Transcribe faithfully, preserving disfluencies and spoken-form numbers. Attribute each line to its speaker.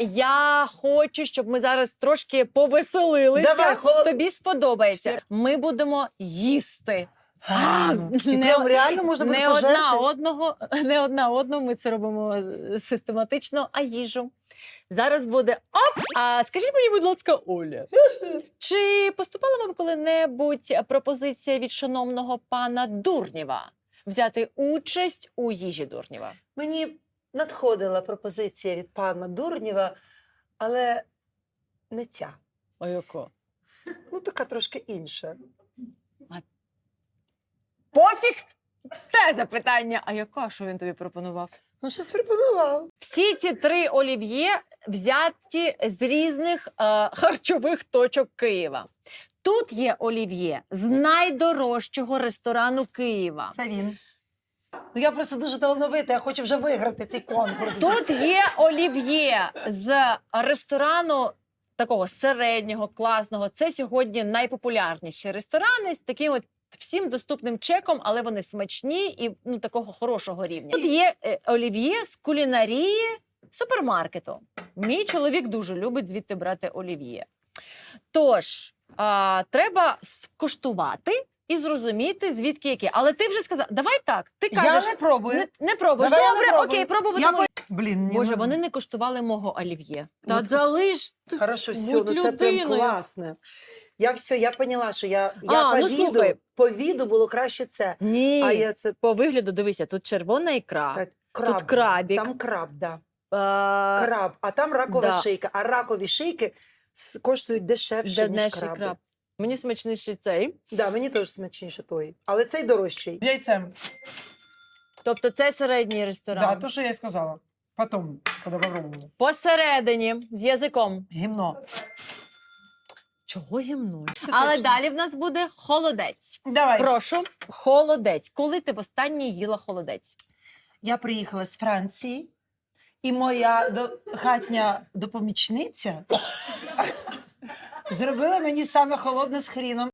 Speaker 1: я хочу, щоб ми зараз трошки повеселилися.
Speaker 2: Давай, холод-
Speaker 1: Тобі сподобається. Ми будемо їсти.
Speaker 2: І
Speaker 1: Не-
Speaker 2: прям реально можна буде
Speaker 1: не одна
Speaker 2: пожерти?
Speaker 1: одного, не одна одну. Ми це робимо систематично, а їжу. Зараз буде оп! А скажіть мені, будь ласка, Оля, чи поступала вам коли-небудь пропозиція від шановного пана Дурнєва взяти участь у їжі Дурнєва?
Speaker 2: Мені надходила пропозиція від пана Дурнєва, але не ця.
Speaker 1: А яка?
Speaker 2: Ну, така трошки інша.
Speaker 1: Пофіг! Те запитання. А яка, що він тобі пропонував?
Speaker 2: Ну, щось пропонував.
Speaker 1: Всі ці три олів'є взяті з різних е, харчових точок Києва. Тут є олів'є з найдорожчого ресторану Києва.
Speaker 2: Це він. Ну, я просто дуже талановита, я хочу вже виграти цей конкурс.
Speaker 1: Тут є олів'є з ресторану такого середнього, класного. Це сьогодні найпопулярніші ресторани з таким от всім доступним чеком, але вони смачні і ну, такого хорошого рівня. Тут є е, олів'є з кулінарії супермаркету. Мій чоловік дуже любить звідти брати олів'є. Тож, а, треба скуштувати і зрозуміти, звідки яке. Але ти вже сказав, давай так, ти кажеш,
Speaker 2: Я не пробую.
Speaker 1: не, не пробуєш.
Speaker 2: Давай я не
Speaker 1: Добре,
Speaker 2: пробую.
Speaker 1: окей, пробувати.
Speaker 2: Я
Speaker 1: можна.
Speaker 2: Блін, ні,
Speaker 1: Боже,
Speaker 2: ну,
Speaker 1: вони не коштували мого олів'є. Та
Speaker 2: От-
Speaker 1: залиш ти.
Speaker 2: Хорошо, все,
Speaker 1: будь
Speaker 2: ну це прям
Speaker 1: людиною.
Speaker 2: класне. Я все, я поняла, що я, я
Speaker 1: А,
Speaker 2: по,
Speaker 1: ну,
Speaker 2: віду,
Speaker 1: слухай.
Speaker 2: по віду було краще це.
Speaker 1: Ні.
Speaker 2: А я це
Speaker 1: По вигляду, дивися, тут червона ікра,
Speaker 2: та, краб.
Speaker 1: тут крабік.
Speaker 2: Там краб, да.
Speaker 1: а,
Speaker 2: Краб, а там ракова
Speaker 1: да.
Speaker 2: шийка. А ракові шийки с- коштують дешевше, ніж
Speaker 1: днешній
Speaker 2: краби.
Speaker 1: краб. Мені смачніший цей.
Speaker 2: Да, мені теж смачніше той. Але цей дорожчий.
Speaker 3: Яйцем.
Speaker 1: Тобто це середній ресторан.
Speaker 3: Да, то, що я і сказала. Потім, коли попробували.
Speaker 1: Посередині, з язиком.
Speaker 3: Гімно.
Speaker 1: Чого гімнуй? Але
Speaker 2: точно.
Speaker 1: далі в нас буде холодець.
Speaker 3: Давай.
Speaker 1: Прошу, холодець. Коли ти востаннє їла холодець?
Speaker 2: Я приїхала з Франції, і моя до... хатня допомічниця зробила мені саме холодне з хріном.